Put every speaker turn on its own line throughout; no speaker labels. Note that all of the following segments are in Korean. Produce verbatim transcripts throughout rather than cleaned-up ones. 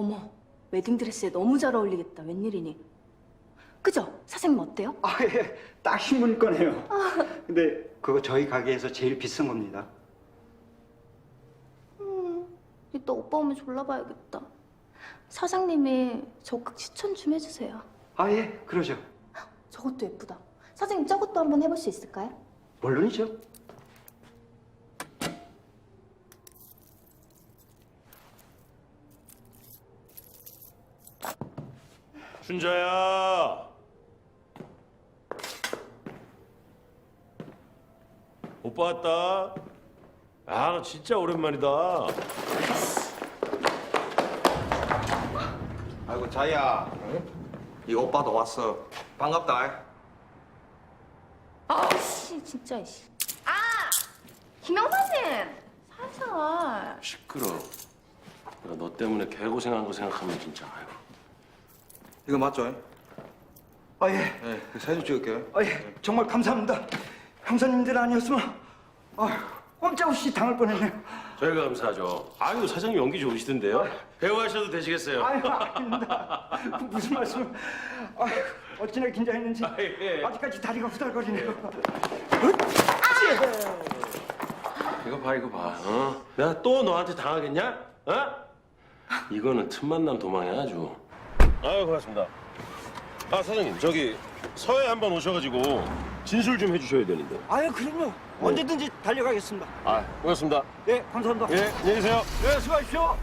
어머, 웨딩드레스에 너무 잘 어울리겠다. 웬일이니? 그죠? 사장님 어때요?
아, 예, 딱 신문 거네요. 근데 그거 저희 가게에서 제일 비싼 겁니다.
음, 이따 오빠 오면 졸라봐야겠다. 사장님이 적극 추천 좀 해주세요.
아, 예, 그러죠.
저것도 예쁘다. 사장님 저것도 한번 해볼 수 있을까요?
물론이죠.
춘자야. 오빠 왔다. 아, 너 진짜 오랜만이다.
아이고 자이야, 이 오빠도 왔어. 반갑다.
아씨 진짜 씨. 아 김영사님 살살.
시끄러. 내가 너 때문에 개고생한 거 생각하면 진짜 아이고.
이거 맞죠?
아, 예.
네, 사진 찍을게요.
아, 예, 정말 감사합니다. 형사님들 아니었으면 아, 꼼짝없이 당할 뻔했네요.
저희가 감사하죠. 아유, 사장님 연기 좋으시던데요. 배우하셔도 되시겠어요.
아유, 아닙니다. 무슨 말씀? 아유, 어찌나 긴장했는지
아, 예.
아직까지 다리가 후달거리네요.
이거 봐, 이거 봐. 어? 내가 또 너한테 당하겠냐? 어? 이거는 틈만 나면 도망이야 아주. 아유, 고맙습니다. 아, 사장님, 저기 서해 한번 오셔가지고 진술 좀 해주셔야 되는데.
아유, 그럼요. 언제든지 달려가겠습니다.
아, 고맙습니다.
예, 감사합니다.
예, 안녕히 계세요.
예, 수고하십시오.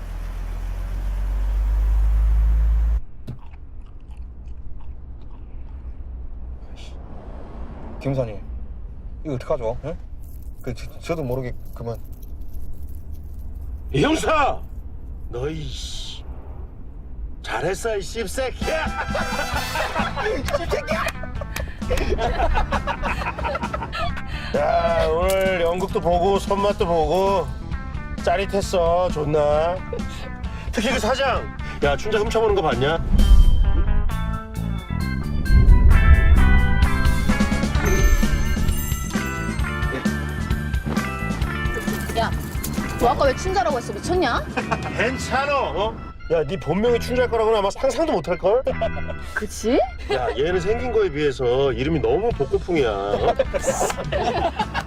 김사님, 이거 어떡하죠? 예? 그 저, 저도 모르게 그만.
이 형사! 너이 씨. 잘했어, 이 씹새끼야! 야, 오늘 연극도 보고 손맛도 보고 짜릿했어. 좋나? 특히 그 사장! 야, 춘자 훔쳐보는 거 봤냐?
야, 너 아까 왜 춘자라고 했어? 미쳤냐?
괜찮아, 어? 야, 네 본명이 춘자일 거라고는 아마 상상도 못할 걸?
그치?
야, 얘는 생긴 거에 비해서 이름이 너무 복고풍이야. 어?